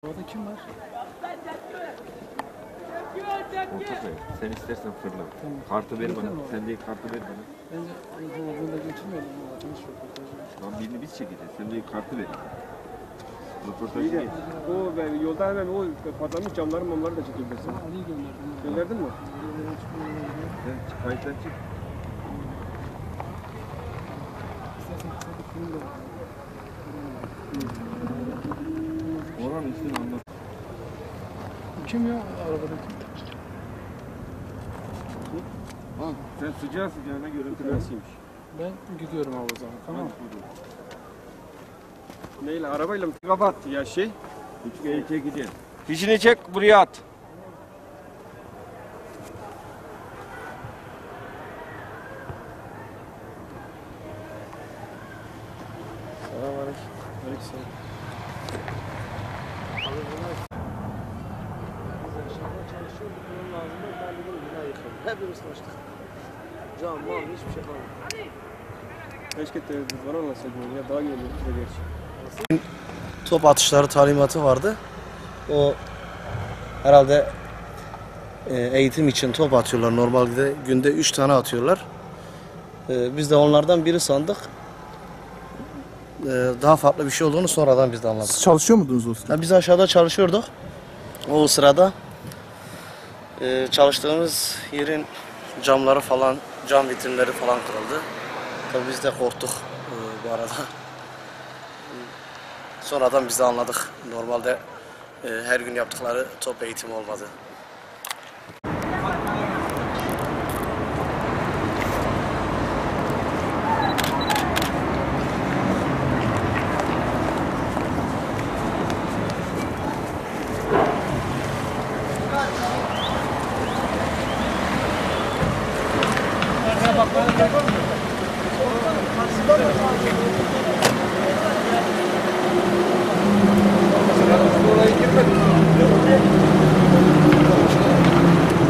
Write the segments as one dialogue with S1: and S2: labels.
S1: Orada kim var?
S2: Orta koy. Sen istersen fırla.
S1: Tamam.
S2: Kartı ver bana.
S1: Tamam.
S2: Sen değil kartı ver bana.
S1: Bence burada geçirmeyelim. Atmış röportajı.
S2: Tamam birini biz çekeceğiz. Sen değil kartı ver. Röportajı
S3: İyi de
S2: geç.
S3: o yolda hemen o patlamış camları mamları da çekebilirsin.
S1: Ali'yi gönderdim.
S3: Gönderdin mi?
S2: Sen kayıttan çık.
S1: İstersen kısa bir film de
S2: Oranın üstünü anlat.
S1: kim ya arabadaki?
S2: Ha, sen sıcağı sıcağına görüntülersiymiş.
S1: Ben gidiyorum abi o zaman. Tamam.
S3: Neyle? Arabayla mı? Kapat ya şey.
S2: Üçgeye çekeceğiz.
S3: Fişini çek buraya at.
S1: Selamünaleyküm. Aleykümselam. Abi bunlar biz aşağıda çalışıyorduk. Bunun lazımda ben dedim bina yıkalım. Hepimiz çalıştık. Cam, mal hiçbir şey kalmadı.
S3: Keşke televizyon anlatsaydın ya daha iyi olurdu da gerçi.
S4: Top atışları talimatı vardı. O herhalde eğitim için top atıyorlar. Normalde günde 3 tane atıyorlar. Biz de onlardan biri sandık. Daha farklı bir şey olduğunu sonradan biz de anladık.
S5: Siz çalışıyor muydunuz o sırada?
S4: Biz aşağıda çalışıyorduk. O sırada çalıştığımız yerin camları falan, cam vitrinleri falan kırıldı. Tabii biz de korktuk bu arada. Sonradan biz de anladık. Normalde her gün yaptıkları top eğitimi olmadı.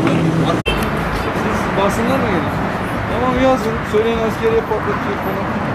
S5: Basınlar mı gelir? Tamam yazın. Söyleyin askeriye patlatacak falan.